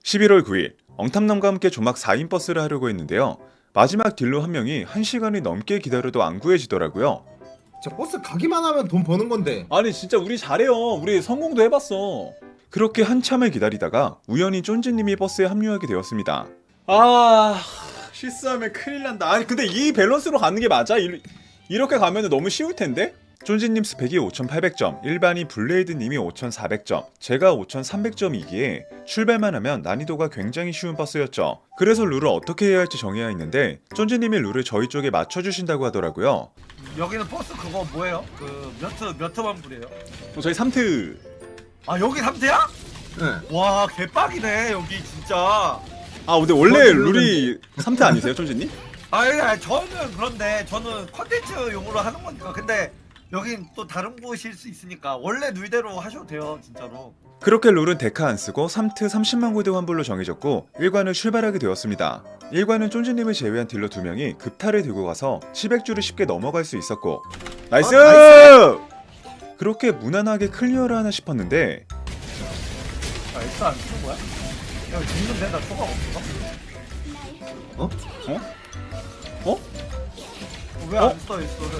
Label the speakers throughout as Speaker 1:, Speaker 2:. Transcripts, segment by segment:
Speaker 1: 11월 9일 엉탐남과 함께 조막 4인 버스를 하려고 했는데요. 마지막 딜러 한 명이 1시간이 넘게 기다려도 안 구해지더라고요.
Speaker 2: 저 버스 가기만 하면 돈 버는 건데.
Speaker 1: 아니 진짜 우리 잘해요. 우리 성공도 해봤어. 그렇게 한참을 기다리다가 우연히 쫀지님이 버스에 합류하게 되었습니다. 아... 실수하면 큰일 난다. 아니 근데 이 밸런스로 가는 게 맞아? 이렇게 가면 너무 쉬울 텐데? 쫀지님 스펙이 5800점, 일반이 블레이드님이 5400점, 제가 5300점이기에 출발만 하면 난이도가 굉장히 쉬운 버스였죠. 그래서 룰을 어떻게 해야 할지 정해야 했는데 쫀지님이 룰을 저희 쪽에 맞춰주신다고 하더라고요.
Speaker 3: 여기는 버스 그거 뭐예요? 그 몇 만불이에요?
Speaker 1: 저희 3트...
Speaker 3: 아 여기 3태야?
Speaker 2: 네.
Speaker 3: 와 개빡이네 여기 진짜.
Speaker 1: 아 근데 원래 룰이 3트 아니세요 쫀지님?
Speaker 3: 아니 저는 그런데 저는 컨텐츠용으로 하는 거니까. 근데 여긴 또 다른 곳일 수 있으니까 원래 룰대로 하셔도 돼요 진짜로.
Speaker 1: 그렇게 룰은 데카 안 쓰고 3트 30만 골드 환불로 정해졌고 1관을 출발하게 되었습니다. 1관은 쫀지님을 제외한 딜러 2명이 급탈을 들고 가서 700주를 쉽게 넘어갈 수 있었고 나이스!
Speaker 2: 나이스!
Speaker 1: 그렇게 무난하게 클리어를 하나 싶었는데
Speaker 3: 아 S 안 쓰는 거야? 야 죽는데 나 초각 없어?
Speaker 1: 어? 어?
Speaker 3: 왜 안 써 S를?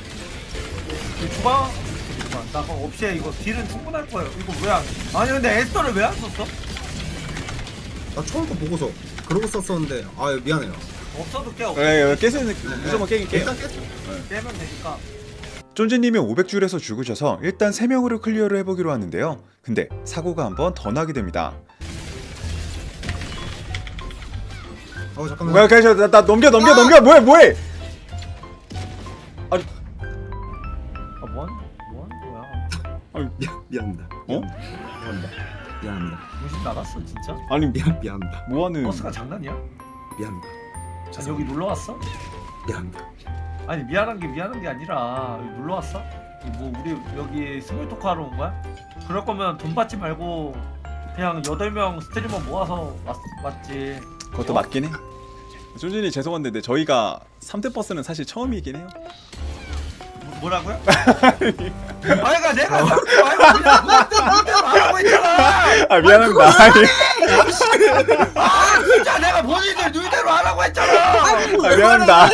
Speaker 3: 초각? 나 그거 없이 이거 딜은 충분할 거예요. 이거 왜 안? 아니 근데 S를 왜 안 썼어?
Speaker 2: 나 처음 거 보고서 그러고 썼었는데 아 미안해요.
Speaker 3: 없어도 깨 없어.
Speaker 1: 깨세는 무조건 깨긴 깨요.
Speaker 2: 일단 깼죠.
Speaker 3: 깨면 되니까.
Speaker 1: 쫀지님이 500줄에서 죽으셔서 일단 3명으로 클리어를 해보기로 하는데요. 근데 사고가 한 번 더 나게 됩니다.
Speaker 2: 잠깐만.
Speaker 1: 뭐야 나 넘겨 뭐해 아니
Speaker 3: 뭐하는 거야?
Speaker 2: 미안합니다.
Speaker 1: 어?
Speaker 2: 미안합니다.
Speaker 3: 정신 나갔어 진짜?
Speaker 1: 아니
Speaker 2: 미안합니다.
Speaker 1: 뭐하는
Speaker 3: 버스가 장난이야?
Speaker 2: 미안합니다.
Speaker 3: 아니 여기 놀러 왔어?
Speaker 2: 미안합니다.
Speaker 3: 아니 미안한 게 아니라 여기 놀러 왔어? 뭐 우리 여기 스몰 토크 하러 온 거야? 그럴 거면 돈 받지 말고 그냥 8명 스트리머 모아서 왔지.
Speaker 1: 그것도 맞긴 해. 쫀진이 죄송한데 저희가 3대 버스는 사실 처음이긴 해요.
Speaker 3: 뭐라고요? 아이가 내가 자꾸 말하고 있잖아.
Speaker 1: 아 미안합니다.
Speaker 3: 아 진짜 내가 본인들 누이대로 하라고 했잖아.
Speaker 1: 아 미안합니다.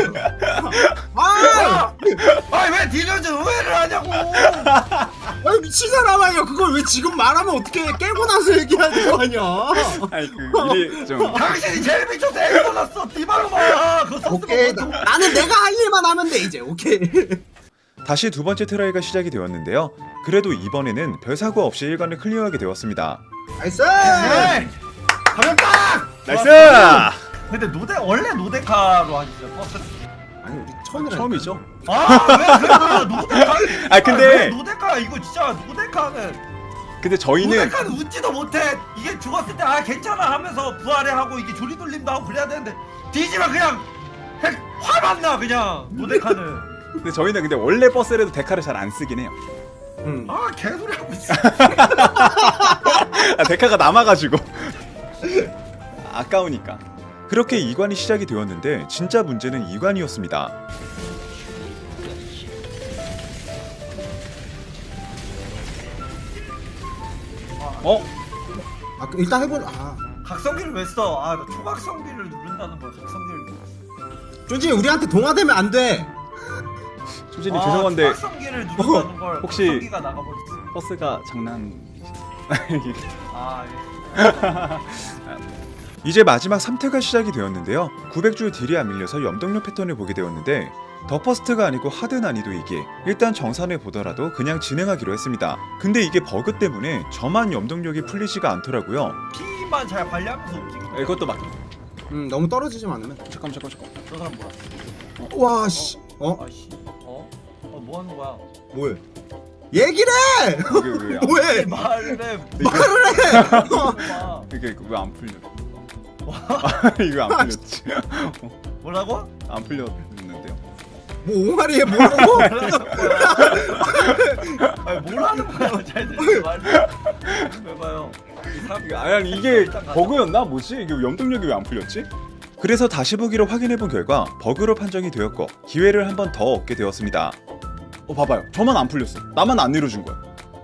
Speaker 3: 아니 왜 디너즈 오해를 하냐고.
Speaker 2: 아니 미친 사람아요. 그걸 왜 지금 말하면 어떻게 깨고 나서 얘기하는 거 아니야?
Speaker 1: 아니 그 일이 좀
Speaker 3: 당신이 제일 미쳐서 애가 났어. 디바로 봐. 그거
Speaker 2: 오케이. 나는 내가 할 일만 하면 돼 이제. 오케이.
Speaker 1: 다시 두 번째 트라이가 시작이 되었는데요. 그래도 이번에는 별 사고 없이 1관을 클리어하게 되었습니다.
Speaker 2: 나이스.
Speaker 3: 가볍다.
Speaker 1: 나이스!
Speaker 3: 근데 원래 노데카로 하시죠 버스?
Speaker 2: 아니 우리 처음이라.
Speaker 1: 처음이죠.
Speaker 3: 아왜 그래 노데카?
Speaker 1: 아, 근데-
Speaker 3: 왜 노데카 이거 진짜 노데카는
Speaker 1: 근데 저희는
Speaker 3: 노데카는 웃지도 못해. 이게 죽었을 때 아 괜찮아 하면서 부활해 하고 이게 조리돌림도 하고 그래야 되는데 뒤지면 그냥 화만 나 그냥 노데카는.
Speaker 1: 근데 저희는 근데 원래 버스라도 데카를 잘 안 쓰긴 해요.
Speaker 3: 아 개소리 하고 있어.
Speaker 1: 아, 데카가 남아가지고 아까우니까. 그렇게 2관이 시작이 되었는데 진짜 문제는 2관이었습니다.
Speaker 2: 일단 해볼.
Speaker 3: 각성기를 왜 써? 나 초각성기를 누른다는 거야. 각성기를 눌렀어.
Speaker 2: 쫀지 우리한테 동화되면 안 돼.
Speaker 1: 조진님 죄송한데
Speaker 3: 초각성기를 누른다는 걸
Speaker 1: 혹시-
Speaker 3: 각성기가 나가버렸어.
Speaker 1: 버스가 장난...
Speaker 3: 예.
Speaker 1: 이제 마지막 3태가 시작이 되었는데요. 900줄 딜이 안 밀려서 염동력 패턴을 보게 되었는데 더 퍼스트가 아니고 하드 난이도이기에 일단 정산을 보더라도 그냥 진행하기로 했습니다. 근데 이게 버그 때문에 저만 염동력이 풀리지가 않더라고요.
Speaker 3: 피만 잘 관리하면서 움직이고.
Speaker 1: 이것도 막...
Speaker 2: 너무 떨어지지만 않으면.
Speaker 1: 잠깐
Speaker 3: 저 사람 뭐야?
Speaker 2: 와 씨.
Speaker 3: 아씨. 뭐 하는 거야?
Speaker 2: 뭐해? 얘기를 해.
Speaker 1: 이게 왜
Speaker 2: 뭐해?
Speaker 3: 말을 해.
Speaker 2: 말을 해.
Speaker 3: 봐.
Speaker 1: 이게 왜 안 풀려? 이거 안 풀렸지?
Speaker 3: 뭐라고?
Speaker 1: 안 풀렸는데요.
Speaker 2: 뭐 옹알이에 뭐라고?
Speaker 3: 아니 뭘 하는 거야? 잘 들려 말을 해봐요.
Speaker 1: 아니 이게 버그였나? 뭐지? 이게 염동력이 왜 안 풀렸지? 그래서 다시 보기로 확인해본 결과 버그로 판정이 되었고 기회를 한 번 더 얻게 되었습니다. 봐봐요. 저만 안 풀렸어. 나만 안 내려준 거야.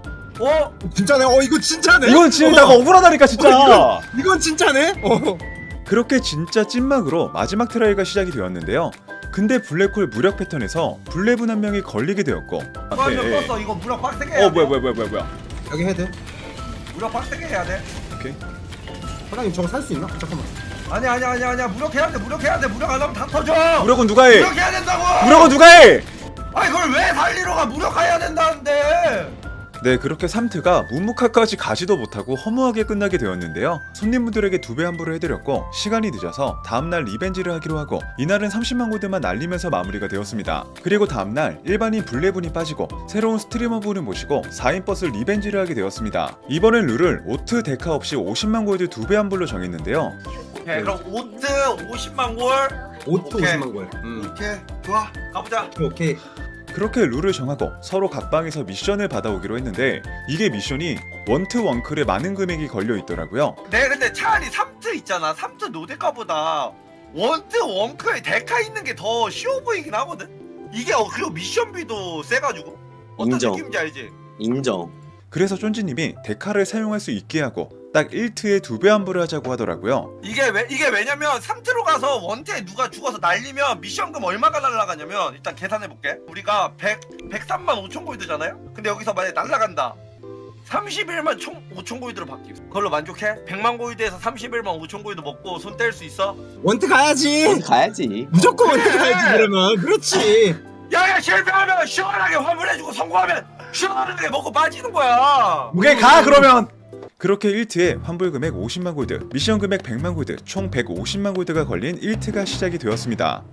Speaker 3: 어?
Speaker 2: 진짜네. 이거 진짜네.
Speaker 1: 이건 진짜 내가 억울하다니까 진짜.
Speaker 2: 이건 진짜네.
Speaker 1: 그렇게 진짜 찐막으로 마지막 트라이가 시작이 되었는데요. 근데 블랙홀 무력 패턴에서 블레분 한 명이 걸리게 되었고.
Speaker 3: 한명 떴어. 이거 무력 빡세게 해야 돼.
Speaker 1: 뭐야.
Speaker 2: 여기 해야 돼.
Speaker 3: 무력 빡세게 해야 돼.
Speaker 1: 오케이.
Speaker 2: 사장님 저거 살 수 있나? 잠깐만.
Speaker 3: 아니야. 무력 해야 돼. 무력 안 하면 다 터져.
Speaker 1: 무력은 누가 해?
Speaker 3: 무력 해야 된다고.
Speaker 1: 무력은 누가 해?
Speaker 3: 아니 그걸 왜 살리러 가? 무력해야 된다는데.
Speaker 1: 네, 그렇게 3트가 문무카까지 가지도 못하고 허무하게 끝나게 되었는데요. 손님분들에게 2배 환불을 해드렸고 시간이 늦어서 다음날 리벤지를 하기로 하고 이날은 30만 골드만 날리면서 마무리가 되었습니다. 그리고 다음날 일반인 블레분이 빠지고 새로운 스트리머분을 모시고 4인 버스 리벤지를 하게 되었습니다. 이번엔 룰을 오트 데카 없이 50만 골드 2배 환불로 정했는데요.
Speaker 3: 오케이 그럼 오트 50만 골.
Speaker 2: 오토
Speaker 3: 오케이.
Speaker 2: 50만 골.
Speaker 3: 오케이 좋아 가보자.
Speaker 2: 오케이.
Speaker 1: 그렇게 룰을 정하고 서로 각 방에서 미션을 받아오기로 했는데 이게 미션이 원트 원클에 많은 금액이 걸려 있더라고요.
Speaker 3: 네 근데 차라리 3트 있잖아. 3트 노데카보다 원트 원크에 데카 있는 게 더 쉬워 보이긴 하거든. 이게 그리고 미션비도 세가지고 어떤
Speaker 4: 인정.
Speaker 3: 느낌인지 알지?
Speaker 4: 인정.
Speaker 1: 그래서 쫀지님이 데카를 사용할 수 있게 하고 딱 1트에 2배 환불을 하자고 하더라고요.
Speaker 3: 이게 왜냐면 3트로 가서 원트에 누가 죽어서 날리면 미션금 얼마가 날라가냐면 일단 계산해볼게. 우리가 103만 5천 골드잖아요? 근데 여기서 만약에 날라간다 31만 5천 골드로 바뀌어. 그걸로 만족해? 100만 골드에서 31만 5천 골드 먹고 손 뗄 수 있어?
Speaker 2: 원트 가야지.
Speaker 4: 가야지.
Speaker 2: 무조건 원트 가야지 그러면. 그렇지.
Speaker 3: 야야 실패하면 시원하게 환불해주고 성공하면 시원하게 먹고 빠지는 거야.
Speaker 1: 오케이 가 그러면! 그렇게 1트에 환불 금액 50만 골드, 미션 금액 100만 골드, 총 150만 골드가 걸린 1트가 시작이 되었습니다.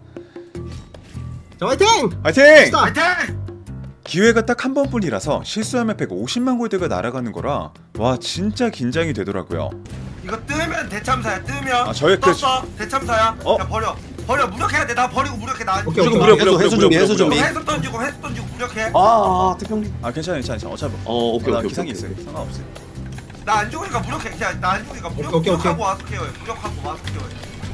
Speaker 2: 자 화이팅.
Speaker 1: 화이팅!
Speaker 2: 스타.
Speaker 3: 화이팅!
Speaker 1: 기회가 딱 한 번뿐이라서 실수하면 150만 골드가 날아가는 거라 와 진짜 긴장이 되더라고요.
Speaker 3: 이거 뜨면 대참사야. 뜨면
Speaker 1: 저의
Speaker 3: 떴어 대참사야.
Speaker 1: 어?
Speaker 3: 야 버려 무력해야 돼. 나 버리고 무력해. 나
Speaker 2: 오케이,
Speaker 1: 무조건
Speaker 2: 오케이.
Speaker 1: 무력
Speaker 4: 해수 준비, 해수 준비.
Speaker 3: 해수 던지고 무력해.
Speaker 4: 특형.
Speaker 1: 괜찮아 어차피
Speaker 4: 오케이,
Speaker 1: 나
Speaker 4: 오케이,
Speaker 1: 기상이
Speaker 4: 오케이.
Speaker 1: 있어요. 상관없어요.
Speaker 3: 나 안 죽으니까 무력해. 그냥 나 안 죽으니까
Speaker 2: 오케이.
Speaker 3: 무력하고 와서 케어해. 무력하고 와서 케어해.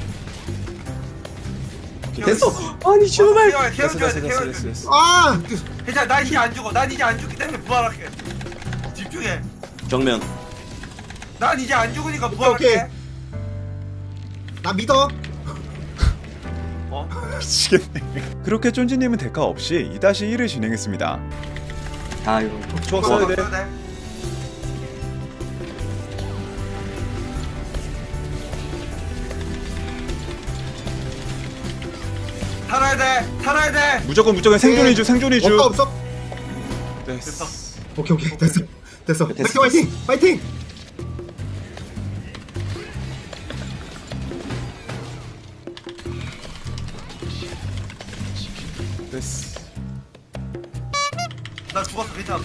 Speaker 4: 됐어. 아니, 슈발.
Speaker 3: 케어줘야 돼.
Speaker 1: 됐어.
Speaker 2: 아.
Speaker 3: 괜찮아. 나 이제 안 죽어. 난 이제 안 죽기 때문에 부활할게. 집중해.
Speaker 4: 정면.
Speaker 3: 난 이제 안 죽으니까
Speaker 2: 오케이.
Speaker 3: 부활할게.
Speaker 2: 나 믿어.
Speaker 3: 어?
Speaker 1: 미치겠네. 그렇게 쫀지님은 데카 없이 2-1을 진행했습니다.
Speaker 4: 아이고.
Speaker 1: 좋았어야 돼.
Speaker 3: 살아야 돼.
Speaker 1: 무조건 생존이주 생존이주.
Speaker 2: 없어.
Speaker 1: 됐어.
Speaker 2: 오케이 됐어.
Speaker 4: 됐어.
Speaker 2: 화이팅.
Speaker 1: 됐어.
Speaker 3: 나 죽었어. 괜찮아.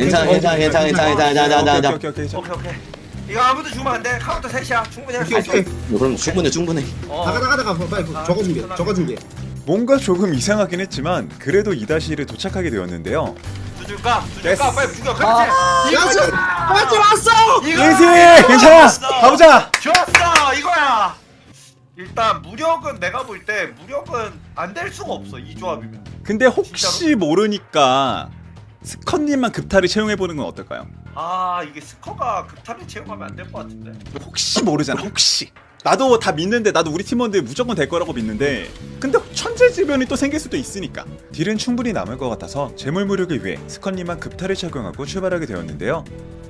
Speaker 4: 괜찮아.
Speaker 3: 오케이. 이거 아무도 죽으면 안 돼. 카운터 셋이야. 충분히 할 수 있어.
Speaker 2: 오케이.
Speaker 4: 그럼 충분해.
Speaker 2: 나가 빨리 저거 준비해.
Speaker 1: 뭔가 조금 이상하긴 했지만 그래도 2-1에 도착하게 되었는데요.
Speaker 3: 죽일까?
Speaker 1: 됐어.
Speaker 3: 빨리 죽여. 그렇지.
Speaker 2: 야수. 화이팅 왔어.
Speaker 1: 예지 괜찮아. 가보자.
Speaker 3: 좋았어. 이거야. 일단 무력은 내가 볼 때 무력은 안 될 수가 없어. 이 조합이면.
Speaker 1: 근데 혹시 모르니까 스컷님만 급탈을 채용해보는 건 어떨까요?
Speaker 3: 이게 스커가 급탈을 채용하면 안 될 것 같은데.
Speaker 1: 혹시 모르잖아 혹시. 나도 다 믿는데 나도 우리 팀원들 무조건 될 거라고 믿는데 근데 천재지변이 또 생길 수도 있으니까 딜은 충분히 남을 것 같아서 재물 무력을 위해 스컷님만 급탈을 착용하고 출발하게 되었는데요.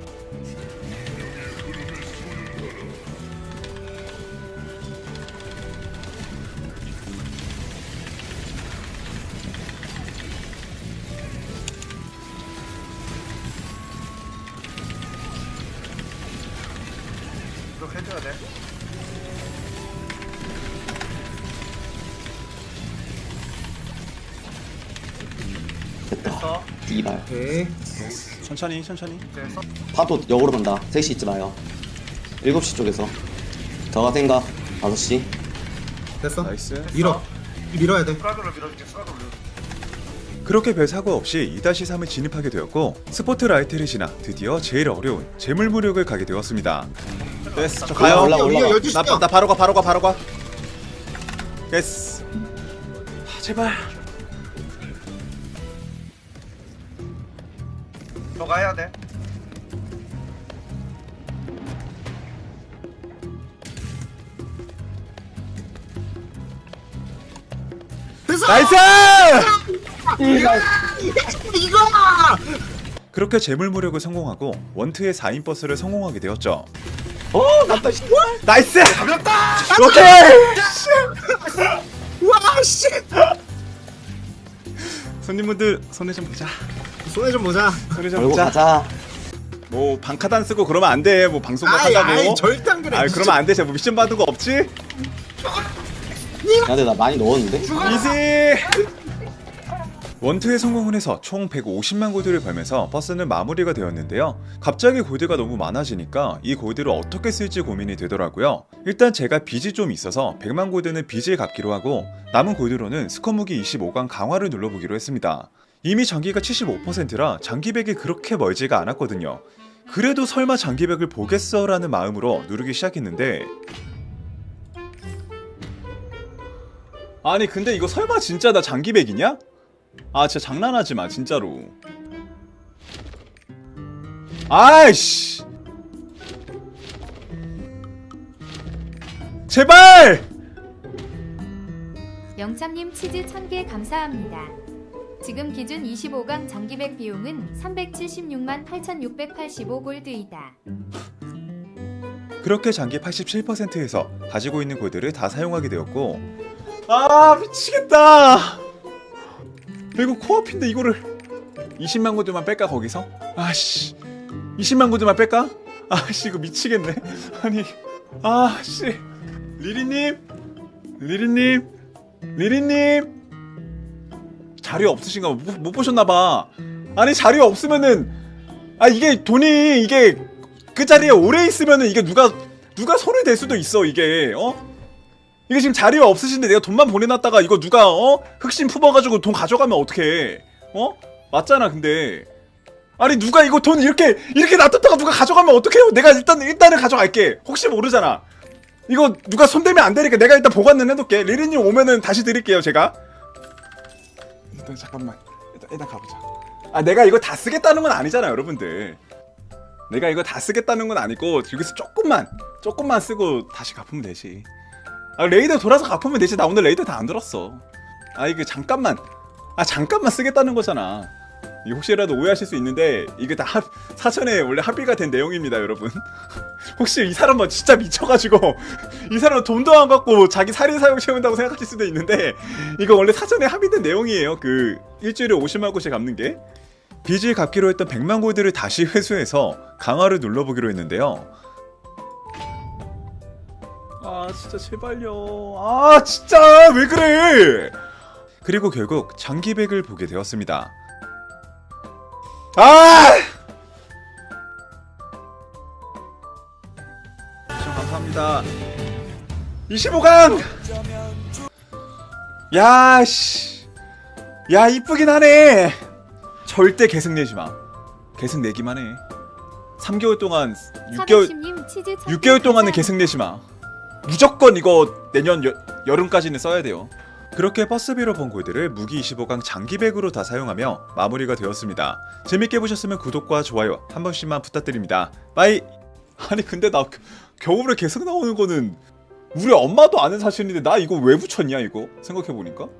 Speaker 3: 이렇게 해줘야 돼. 됐어.
Speaker 4: 이발.
Speaker 2: 오케이.
Speaker 1: 천천히
Speaker 3: 됐어.
Speaker 4: 파도 역으로 간다. 3시 있지 마요. 7시 쪽에서. 저가 생각. 5시.
Speaker 2: 됐어.
Speaker 1: 나이스.
Speaker 2: 밀어야 돼.
Speaker 3: 스라그를 밀어줄게. 스라그를 밀어줄게.
Speaker 1: 그렇게 별 사고 없이 2-3을 진입하게 되었고 스포트라이트를 지나 드디어 제일 어려운 재물 무력을 가게 되었습니다. 됐어. 저 가요.
Speaker 4: 올라가.
Speaker 2: 위에 12시야.
Speaker 1: 나 바로 가. 됐어. 제발.
Speaker 3: 너 가야 돼.
Speaker 2: 나이스!
Speaker 1: 나이스!
Speaker 2: 이거!
Speaker 1: 그렇게 재물무력을 성공하고 원트의 4인 버스를 성공하게 되었죠.
Speaker 4: 났다 씨.
Speaker 1: 나이스!
Speaker 2: 가볍다!
Speaker 1: 오케이!
Speaker 2: 와, 씨!
Speaker 1: 손님분들 손에 좀 보자.
Speaker 2: 손에 좀 보자.
Speaker 1: 손에 좀
Speaker 4: 걸고
Speaker 1: 보자.
Speaker 4: 가자.
Speaker 1: 뭐 방카단 쓰고 그러면 안 돼. 뭐 방송
Speaker 2: 아이,
Speaker 1: 한다고.
Speaker 2: 절대 안 그래.
Speaker 1: 아 그러면 안 돼. 제가 뭐 미션 받은 거 없지?
Speaker 4: 야 근데 나 많이 넣었는데?
Speaker 1: 이지! 원투에 성공을 해서 총 150만 골드를 벌면서 버스는 마무리가 되었는데요. 갑자기 골드가 너무 많아지니까 이 골드를 어떻게 쓸지 고민이 되더라고요. 일단 제가 빚이 좀 있어서 100만 골드는 빚을 갚기로 하고 남은 골드로는 스커무기 25강 강화를 눌러보기로 했습니다. 이미 장기가 75%라 장기백이 그렇게 멀지가 않았거든요. 그래도 설마 장기백을 보겠어 라는 마음으로 누르기 시작했는데 아니 근데 이거 설마 진짜 나 장기백이냐? 아 진짜 장난하지마 진짜로. 아이씨 제발!
Speaker 5: 영참님 치즈 1000개 감사합니다. 지금 기준 25강 장기백 비용은 376만 8685골드이다.
Speaker 1: 그렇게 장기 87%에서 가지고 있는 골드를 다 사용하게 되었고 아 미치겠다. 이거 코앞인데 이거를 20만 골드만 뺄까 거기서? 아씨 20만 골드만 뺄까? 아씨 이거 미치겠네. 아니 아씨 리리님 자료 없으신가? 못 보셨나봐. 아니 자료 없으면은 아 이게 돈이 이게 그 자리에 오래 있으면은 이게 누가 손을 댈 수도 있어 이게 이게 지금 자리가 없으신데 내가 돈만 보내놨다가 이거 누가 흑심 품어가지고 돈 가져가면 어떡해 맞잖아. 근데 아니 누가 이거 돈 이렇게 놔뒀다가 누가 가져가면 어떡해요. 내가 일단은 가져갈게. 혹시 모르잖아. 이거 누가 손대면 안 되니까 내가 일단 보관은 해둘게. 리리님 오면은 다시 드릴게요 제가. 일단 잠깐만 일단 가보자. 아 내가 이거 다 쓰겠다는 건 아니잖아 여러분들. 내가 이거 다 쓰겠다는 건 아니고 여기서 조금만 쓰고 다시 갚으면 되지. 아 레이더 돌아서 갚으면 되지. 나 오늘 레이더 다 안 들었어. 아 이게 잠깐만 쓰겠다는 거잖아. 이 혹시라도 오해하실 수 있는데 이게 다 사전에 원래 합의가 된 내용입니다 여러분. 혹시 이 사람은 진짜 미쳐가지고 이 사람은 돈도 안 받고 자기 살인 사용 채운다고 생각하실 수도 있는데 이거 원래 사전에 합의된 내용이에요. 그 일주일에 50만 골씩 갚는 게. 빚을 갚기로 했던 100만 골드를 다시 회수해서 강화를 눌러보기로 했는데요. 아 진짜 제발요. 아 진짜 왜 그래. 그리고 결국 장기백을 보게 되었습니다. 아! 시청 감사합니다. 25강! 야 씨. 야 이쁘긴 하네. 절대 계승 내지 마. 계승 내기만 해. 3개월 동안 6개월 동안은 계승 내지 마. 무조건 이거 내년 여름까지는 써야 돼요. 그렇게 버스비로 번 골드를 무기 25강 장기백으로 다 사용하며 마무리가 되었습니다. 재밌게 보셨으면 구독과 좋아요 한 번씩만 부탁드립니다. 빠이. 아니 근데 나 겨울에 계속 나오는 거는 우리 엄마도 아는 사실인데 나 이거 왜 붙였냐 이거 생각해보니까.